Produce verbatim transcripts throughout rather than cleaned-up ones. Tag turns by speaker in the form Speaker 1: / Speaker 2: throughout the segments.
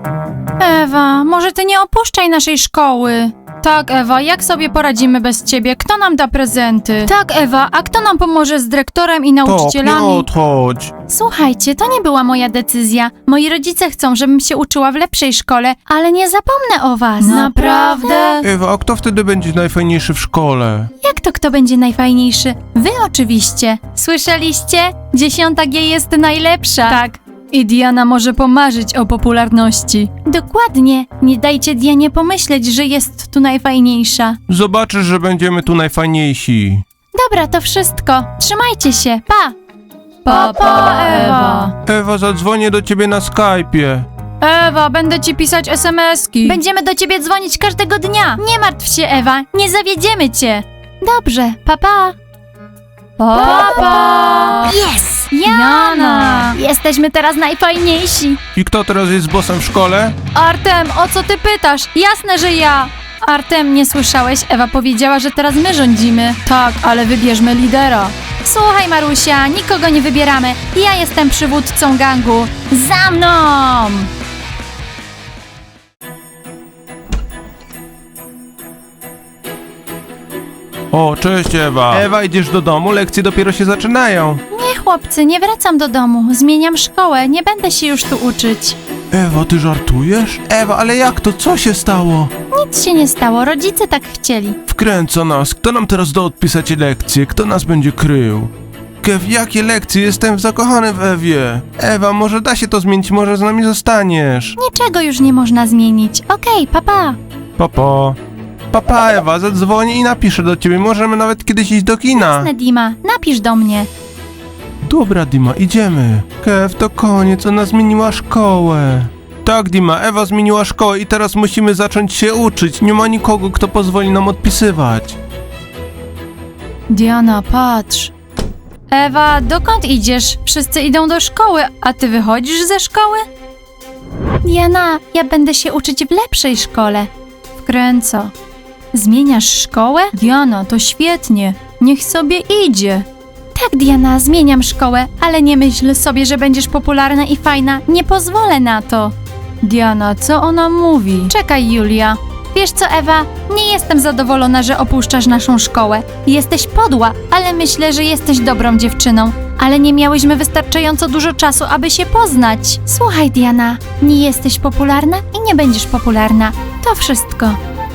Speaker 1: Ewa, może ty nie opuszczaj naszej szkoły. Tak, Ewa, jak sobie poradzimy bez ciebie? Kto nam da prezenty? Tak, Ewa, a kto nam pomoże z dyrektorem i
Speaker 2: Tak, nie
Speaker 1: nauczycielami?
Speaker 2: odchodź.
Speaker 1: Słuchajcie, to nie była moja decyzja. Moi rodzice chcą, żebym się uczyła w lepszej szkole, ale nie zapomnę o was. Naprawdę?
Speaker 2: Ewa, a kto wtedy będzie najfajniejszy w szkole?
Speaker 1: Jak to kto będzie najfajniejszy? Wy oczywiście. Słyszeliście? Dziesiąta G jest najlepsza. Tak. I Diana może pomarzyć o popularności. Dokładnie. Nie dajcie Dianie pomyśleć, że jest tu najfajniejsza.
Speaker 2: Zobaczysz, że będziemy tu najfajniejsi.
Speaker 1: Dobra, to wszystko. Trzymajcie się. Pa! Pa, pa, Ewa.
Speaker 2: Ewa, zadzwonię do ciebie na Skype'ie.
Speaker 1: Ewa, będę ci pisać es em eski. Będziemy do ciebie dzwonić każdego dnia. Nie martw się, Ewa. Nie zawiedziemy cię. Dobrze, pa, pa. Pa, pa.
Speaker 3: Yes!
Speaker 1: Jana! Jesteśmy teraz najfajniejsi.
Speaker 2: I kto teraz jest bossem w szkole?
Speaker 1: Artem, o co ty pytasz? Jasne, że ja. Artem, nie słyszałeś? Ewa powiedziała, że teraz my rządzimy. Tak, ale wybierzmy lidera. Słuchaj, Marusia, nikogo nie wybieramy. Ja jestem przywódcą gangu. Za mną!
Speaker 2: O, cześć Ewa. Ewa, idziesz do domu? Lekcje dopiero się zaczynają.
Speaker 1: Nie, chłopcy, nie wracam do domu. Zmieniam szkołę, nie będę się już tu uczyć.
Speaker 2: Ewa, ty żartujesz? Ewa, ale jak to? Co się stało?
Speaker 1: Nic się nie stało, rodzice tak chcieli.
Speaker 2: Wkręca nas. Kto nam teraz da odpisać lekcje? Kto nas będzie krył? Kev, jakie lekcje? Jestem zakochany w Ewie. Ewa, może da się to zmienić, może z nami zostaniesz.
Speaker 1: Niczego już nie można zmienić. Okej, papa.
Speaker 2: Papa. Papa, Ewa, zadzwonię i napiszę do ciebie. Możemy nawet kiedyś iść do kina.
Speaker 1: Jasne, Dima, napisz do mnie.
Speaker 2: Dobra, Dima, idziemy. Kev, to koniec, ona zmieniła szkołę. Tak, Dima, Ewa zmieniła szkołę i teraz musimy zacząć się uczyć. Nie ma nikogo, kto pozwoli nam odpisywać.
Speaker 1: Diana, patrz. Ewa, dokąd idziesz? Wszyscy idą do szkoły, a ty wychodzisz ze szkoły? Diana, ja będę się uczyć w lepszej szkole. Wkręca. Zmieniasz szkołę? Diana, to świetnie. Niech sobie idzie. Tak, Diana, zmieniam szkołę, ale nie myśl sobie, że będziesz popularna i fajna. Nie pozwolę na to. Diana, co ona mówi? Czekaj, Julia. Wiesz co, Ewa? Nie jestem zadowolona, że opuszczasz naszą szkołę. Jesteś podła, ale myślę, że jesteś dobrą dziewczyną. Ale nie miałyśmy wystarczająco dużo czasu, aby się poznać. Słuchaj, Diana, nie jesteś popularna i nie będziesz popularna. To wszystko.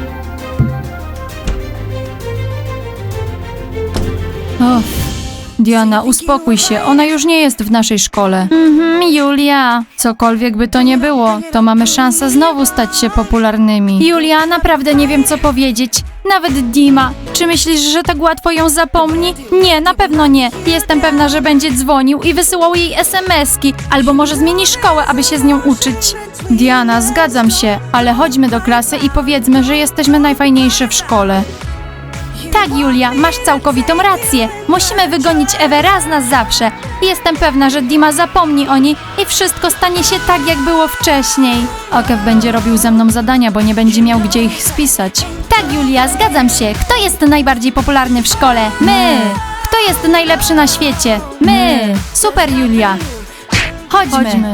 Speaker 1: Och. Diana, uspokój się, ona już nie jest w naszej szkole. Mhm, Julia. Cokolwiek by to nie było, to mamy szansę znowu stać się popularnymi. Julia, naprawdę nie wiem co powiedzieć. Nawet Dima. Czy myślisz, że tak łatwo ją zapomni? Nie, na pewno nie. Jestem pewna, że będzie dzwonił i wysyłał jej es em eski. Albo może zmieni szkołę, aby się z nią uczyć. Diana, zgadzam się, ale chodźmy do klasy i powiedzmy, że jesteśmy najfajniejsze w szkole. Tak, Julia, masz całkowitą rację. Musimy wygonić Ewę raz na zawsze. Jestem pewna, że Dima zapomni o niej i wszystko stanie się tak, jak było wcześniej. Okev będzie robił ze mną zadania, bo nie będzie miał gdzie ich spisać. Tak, Julia, zgadzam się. Kto jest najbardziej popularny w szkole? My! Kto jest najlepszy na świecie? My! Super, Julia. Chodźmy. Chodźmy.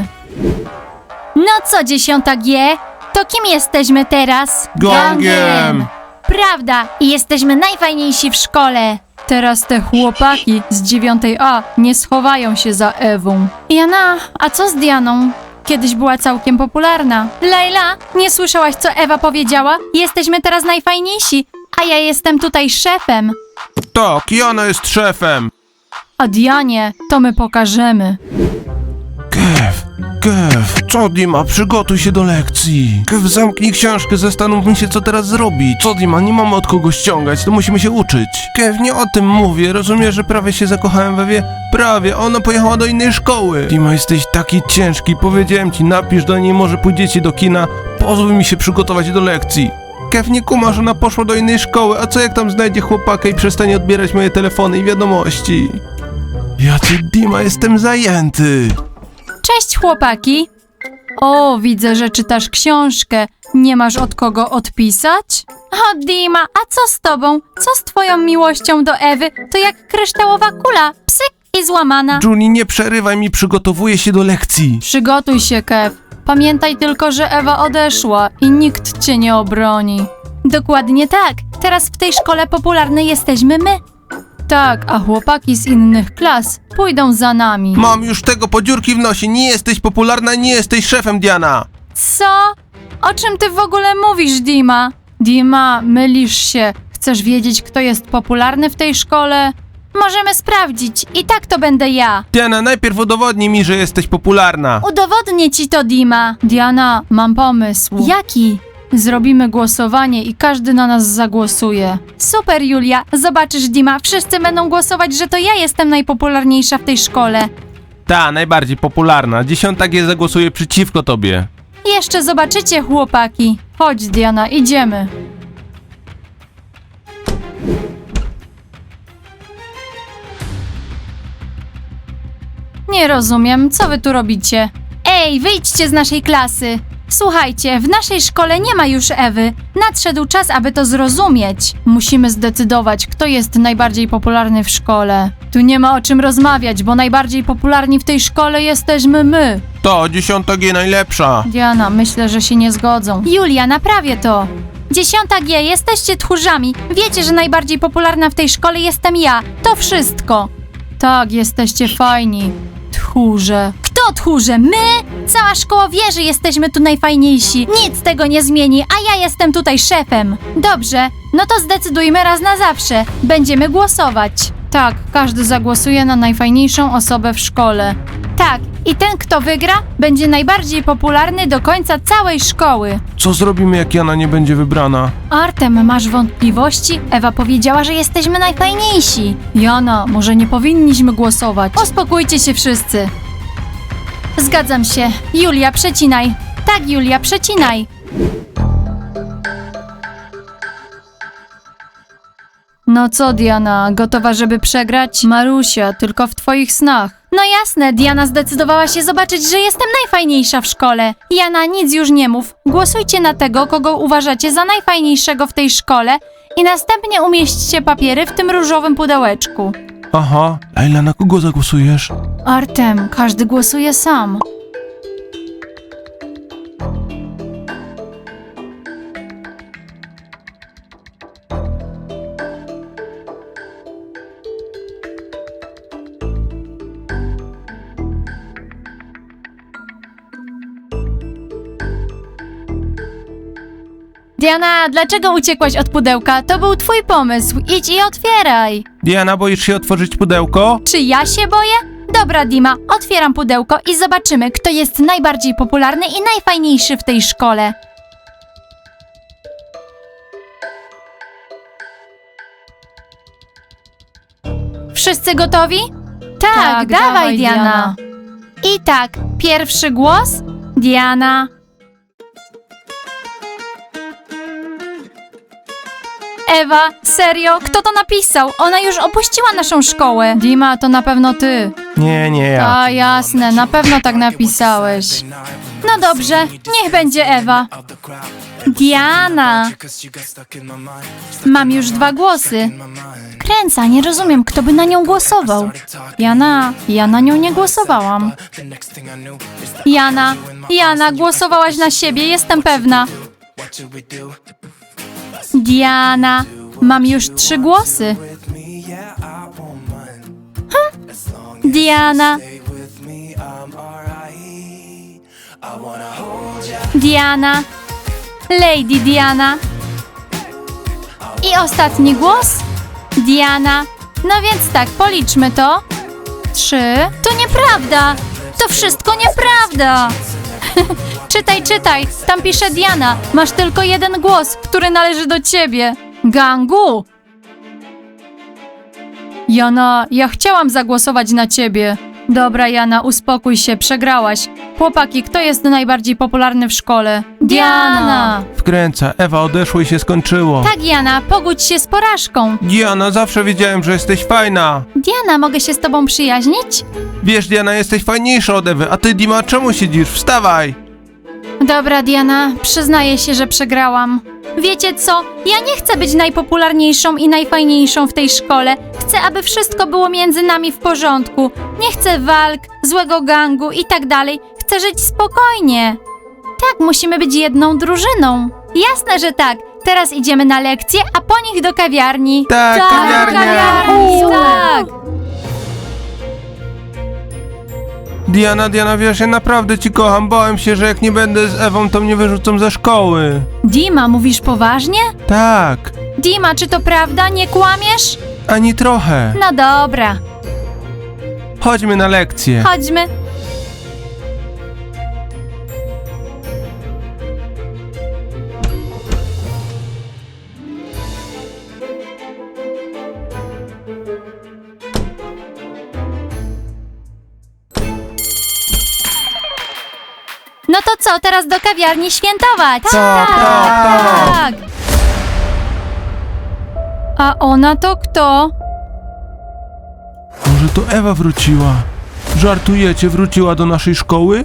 Speaker 1: No co, dziesiąta G? To kim jesteśmy teraz?
Speaker 2: Gangiem!
Speaker 1: Prawda, i jesteśmy najfajniejsi w szkole. Teraz te chłopaki z dziewiątej A nie schowają się za Ewą. Jana, a co z Dianą? Kiedyś była całkiem popularna. Lejla, nie słyszałaś, co Ewa powiedziała? Jesteśmy teraz najfajniejsi, a ja jestem tutaj szefem.
Speaker 2: Tak, Jana jest szefem.
Speaker 1: A Dianie to my pokażemy.
Speaker 2: Kev, Kev, co Dima, przygotuj się do lekcji. Kev, zamknij książkę, zastanówmy się, co teraz zrobić. Co Dima, nie mamy od kogo ściągać, to musimy się uczyć. Kev, nie o tym mówię, rozumiesz, że prawie się zakochałem we Ewie? Prawie, ona pojechała do innej szkoły. Dima, jesteś taki ciężki, powiedziałem ci, napisz do niej, może pójdziecie do kina, pozwól mi się przygotować do lekcji. Kev, nie kuma, że ona poszła do innej szkoły, a co jak tam znajdzie chłopaka i przestanie odbierać moje telefony i wiadomości? Ja ci, Dima, jestem zajęty.
Speaker 1: Cześć, chłopaki. O, widzę, że czytasz książkę. Nie masz od kogo odpisać? O, Dima, a co z tobą? Co z twoją miłością do Ewy? To jak kryształowa kula. Psyk i złamana.
Speaker 2: Julie, nie przerywaj mi, przygotowuję się do lekcji.
Speaker 1: Przygotuj się, Kev. Pamiętaj tylko, że Ewa odeszła i nikt cię nie obroni. Dokładnie tak. Teraz w tej szkole popularnej jesteśmy my. Tak, a chłopaki z innych klas pójdą za nami.
Speaker 2: Mam już tego po dziurki w nosie, nie jesteś popularna, nie jesteś szefem, Diana.
Speaker 1: Co? O czym ty w ogóle mówisz, Dima? Dima, mylisz się. Chcesz wiedzieć, kto jest popularny w tej szkole? Możemy sprawdzić. I tak to będę ja.
Speaker 2: Diana, najpierw udowodnij mi, że jesteś popularna.
Speaker 1: Udowodnię ci to, Dima. Diana, mam pomysł. Jaki? Zrobimy głosowanie i każdy na nas zagłosuje. Super, Julia. Zobaczysz, Dima, wszyscy będą głosować, że to ja jestem najpopularniejsza w tej szkole.
Speaker 2: Ta, najbardziej popularna. Dziesiąta G zagłosuje przeciwko tobie.
Speaker 1: Jeszcze zobaczycie, chłopaki. Chodź, Diana, idziemy. Nie rozumiem, co wy tu robicie? Ej, wyjdźcie z naszej klasy! Słuchajcie, w naszej szkole nie ma już Ewy. Nadszedł czas, aby to zrozumieć. Musimy zdecydować, kto jest najbardziej popularny w szkole. Tu nie ma o czym rozmawiać, bo najbardziej popularni w tej szkole jesteśmy my.
Speaker 2: To, dziesiąta G najlepsza.
Speaker 1: Diana, myślę, że się nie zgodzą. Julia, naprawię to. Dziesiąta G, jesteście tchórzami. Wiecie, że najbardziej popularna w tej szkole jestem ja. To wszystko. Tak, jesteście fajni. Tchórze. Kto tchórze? My? Cała szkoła wie, że jesteśmy tu najfajniejsi. Nic tego nie zmieni, a ja jestem tutaj szefem. Dobrze, no to zdecydujmy raz na zawsze. Będziemy głosować. Tak, każdy zagłosuje na najfajniejszą osobę w szkole. Tak, i ten, kto wygra, będzie najbardziej popularny do końca całej szkoły.
Speaker 2: Co zrobimy, jak Jana nie będzie wybrana?
Speaker 1: Artem, masz wątpliwości? Ewa powiedziała, że jesteśmy najfajniejsi. Jana, może nie powinniśmy głosować. Uspokójcie się wszyscy. Zgadzam się. Julia, przecinaj. Tak, Julia, przecinaj. No co, Diana, gotowa, żeby przegrać? Marusia, tylko w twoich snach. No jasne, Diana zdecydowała się zobaczyć, że jestem najfajniejsza w szkole. Jana, nic już nie mów. Głosujcie na tego, kogo uważacie za najfajniejszego w tej szkole i następnie umieśćcie papiery w tym różowym pudełeczku.
Speaker 2: Aha, Laila, na kogo zagłosujesz?
Speaker 1: Artem, każdy głosuje sam. Diana, dlaczego uciekłaś od pudełka? To był twój pomysł. Idź i otwieraj.
Speaker 2: Diana, boisz się otworzyć pudełko?
Speaker 1: Czy ja się boję? Dobra, Dima, otwieram pudełko i zobaczymy, kto jest najbardziej popularny i najfajniejszy w tej szkole. Wszyscy gotowi? Tak,
Speaker 3: Tak,
Speaker 1: dawaj,
Speaker 3: dawaj,
Speaker 1: Diana.
Speaker 3: Diana.
Speaker 1: I tak, pierwszy głos, Diana. Ewa, serio? Kto to napisał? Ona już opuściła naszą szkołę. Dima, to na pewno ty.
Speaker 2: Nie, nie ja.
Speaker 1: A jasne, na pewno tak napisałeś. No dobrze, niech będzie Ewa. Diana. Mam już dwa głosy. Kręca, nie rozumiem, kto by na nią głosował. Jana, ja na nią nie głosowałam. Jana, Jana, głosowałaś na siebie, jestem pewna. Diana, mam już trzy głosy. Hm. Diana. Diana. Lady Diana. I ostatni głos? Diana. No więc tak, policzmy to. Trzy. To nieprawda. To wszystko nieprawda. Czytaj, czytaj. Tam pisze Diana. Masz tylko jeden głos, który należy do ciebie. Gangu. Jana, ja chciałam zagłosować na ciebie. Dobra, Jana, uspokój się, przegrałaś. Chłopaki, kto jest najbardziej popularny w szkole? Diana!
Speaker 2: Wkręca, Ewa odeszło i się skończyło.
Speaker 1: Tak, Jana, pogódź się z porażką.
Speaker 2: Diana, zawsze wiedziałem, że jesteś fajna.
Speaker 1: Diana, mogę się z tobą przyjaźnić?
Speaker 2: Wiesz, Diana, jesteś fajniejsza od Ewy, a ty, Dima, czemu siedzisz? Wstawaj!
Speaker 1: Dobra, Diana, przyznaję się, że przegrałam. Wiecie co? Ja nie chcę być najpopularniejszą i najfajniejszą w tej szkole. Chcę, aby wszystko było między nami w porządku. Nie chcę walk, złego gangu i tak dalej. Chcę żyć spokojnie. Tak, musimy być jedną drużyną. Jasne, że tak. Teraz idziemy na lekcje, a po nich do kawiarni.
Speaker 2: Tak,
Speaker 1: do
Speaker 2: kawiarnia.
Speaker 1: kawiarni, tak.
Speaker 2: Diana, Diana, wiesz, ja naprawdę ci kocham. Bałem się, że jak nie będę z Ewą, to mnie wyrzucą ze szkoły.
Speaker 1: Dima, mówisz poważnie?
Speaker 2: Tak,
Speaker 1: Dima, czy to prawda? Nie kłamiesz?
Speaker 2: ani trochę.
Speaker 1: No dobra,
Speaker 2: Chodźmy na lekcję.
Speaker 1: chodźmy. No to co, teraz do kawiarni świętować?
Speaker 2: Tak, tak,
Speaker 1: tak. A ona to kto?
Speaker 2: Może to Ewa wróciła? Żartujecie, wróciła do naszej szkoły?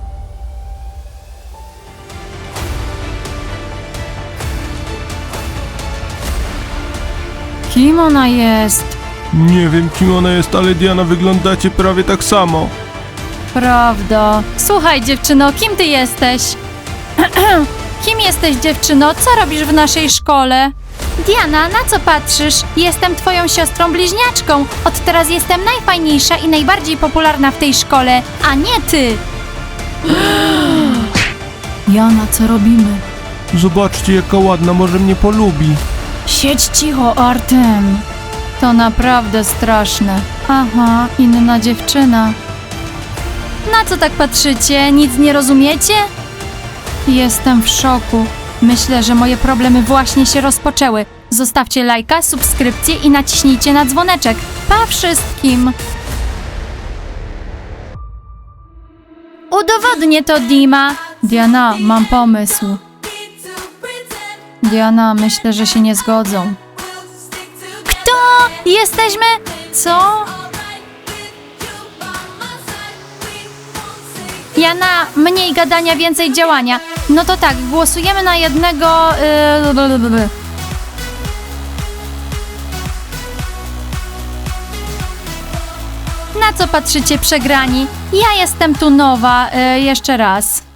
Speaker 1: Kim ona jest?
Speaker 2: Nie wiem, kim ona jest, ale Diana, wyglądacie prawie tak samo.
Speaker 1: Prawda. Słuchaj, dziewczyno, kim ty jesteś? Kim jesteś, dziewczyno? Co robisz w naszej szkole? Diana, na co patrzysz? Jestem twoją siostrą bliźniaczką. Od teraz jestem najfajniejsza i najbardziej popularna w tej szkole, a nie ty. Jana, co robimy?
Speaker 2: Zobaczcie, jaka ładna, może mnie polubi.
Speaker 1: Siedź cicho, Artem. To naprawdę straszne. Aha, inna dziewczyna. Na co tak patrzycie? Nic nie rozumiecie? Jestem w szoku. Myślę, że moje problemy właśnie się rozpoczęły. Zostawcie lajka, subskrypcję i naciśnijcie na dzwoneczek. Pa wszystkim! Udowodnię to, Dima. Diana, mam pomysł. Diana, myślę, że się nie zgodzą. Kto? Jesteśmy... Co? Jana, mniej gadania, więcej działania. No to tak, głosujemy na jednego... Yy, blablabla. Na co patrzycie, przegrani? Ja jestem tu nowa, yy, jeszcze raz.